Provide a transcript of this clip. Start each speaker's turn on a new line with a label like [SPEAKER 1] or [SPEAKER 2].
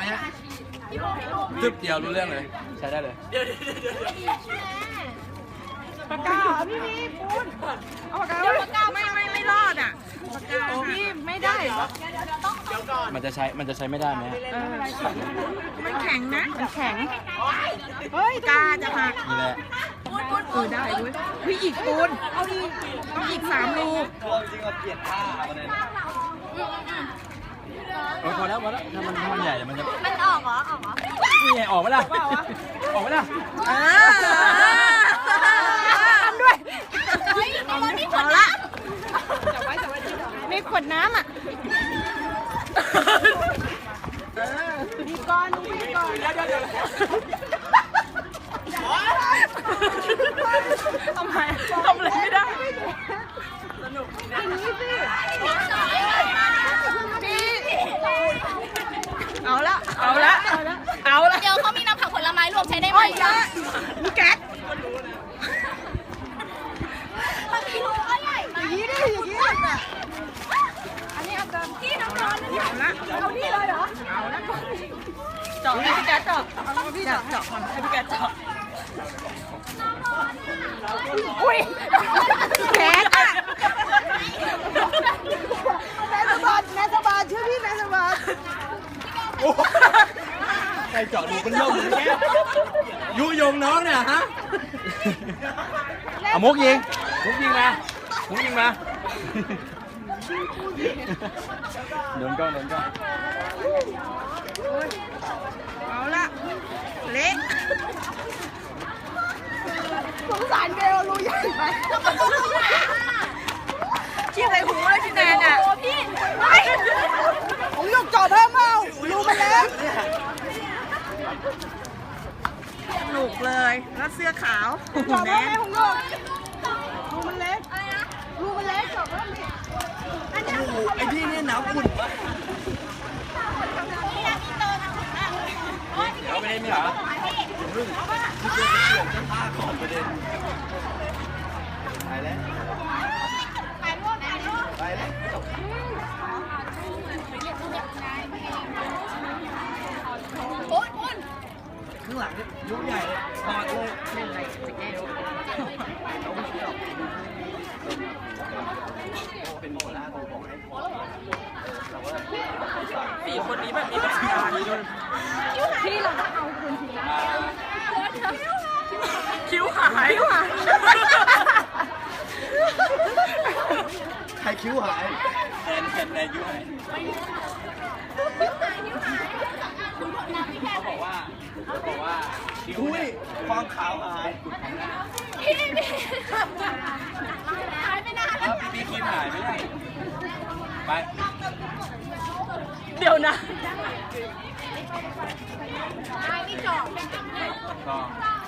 [SPEAKER 1] ฮะตึ๊บเดียวรู้เรื่องเลยใช้ได้เลย
[SPEAKER 2] ปากกาเหรอพี่ปูนเอาปากกาไม่รอดอ่ะปากกาพี่ไม่ได้
[SPEAKER 1] มันจะใช้ไม่ได้ไหม
[SPEAKER 2] มันแข็งนะมันแข็งเฮ้ยกาจะหัก
[SPEAKER 1] นี่แหละ
[SPEAKER 2] ได้ด้วยพี่อีกปูนเอาดิต้องอีก3 รู
[SPEAKER 1] จริงเราเปลี่ยนท่าพอแล้วถ้ามันใหญ่มันจะ
[SPEAKER 3] มันออกเหรอ
[SPEAKER 1] นี่ไงออกไหมล่ะออกไหมล่ะ
[SPEAKER 2] ทำด้วย
[SPEAKER 3] เอาละ
[SPEAKER 2] มีขวดน้ำอ่ะดีก่อนเดี๋ยวทำอะไรไม่ได้สนุกอย่างนี้สิเอาละ
[SPEAKER 3] เดี๋ยวเขามีน้ำผักผลไม้รวมใช้ได้ไหม
[SPEAKER 2] มีแก๊ส
[SPEAKER 3] มันมีรูก็ใหญ่
[SPEAKER 2] อย่างนี้อันนี้เอาเติมที่น้ำร้อนเอานี่เลยเหรอเอาละเจาะให้พี่แก๊สเจาะให้พี่แก๊สเจาะอุ้ยแก๊สอ่ะแม่สบายชื่อพี่แม่สบาย
[SPEAKER 1] ใครเจาะดูเป็นโรคอย่างเงี้ยยุยงน้องเนี่ยฮะเอามุกยิงมาโดนกล้อง
[SPEAKER 2] เอาละเละสงสารเบลรูใหญ่ไปชี้ใส่หูเลยพี่แนนอ่ะ
[SPEAKER 3] พี่
[SPEAKER 2] ผมยกจอเพิ่มเอารูมันเล็กหนุกเลยแล้วเสื้อขาวจอเพิ่มไหมผมยกรูมันเล็กจอเพิ่มดิ
[SPEAKER 1] ไอ้ที่นี่หนาวอุ่นวะเอาไปเล่นไหมเหรอพึ่งที่จะเกี่ยวจะพาก่อนประเด็นไปแล้วข้างหลังเนี่ยยุใหญ่เลยถอดเลยเล่นอะไรจะแก้เราไม่เชื่อเป็นโมล่าตัวบอกให้
[SPEAKER 2] สี่คนนี้แบบมีประสบการณ์พี่เราต้องเอาคนทีละคิ้วหาย
[SPEAKER 1] ใครคิ้วหายแอนคิ้วหายเขาบอกว่าคิ้วเนี่ยความขาวหาย
[SPEAKER 3] หายไปนานแล้ว
[SPEAKER 1] พี่คิ้วหายไม่ได้ไป
[SPEAKER 2] เดี๋ยวนะ
[SPEAKER 3] ไม่จบ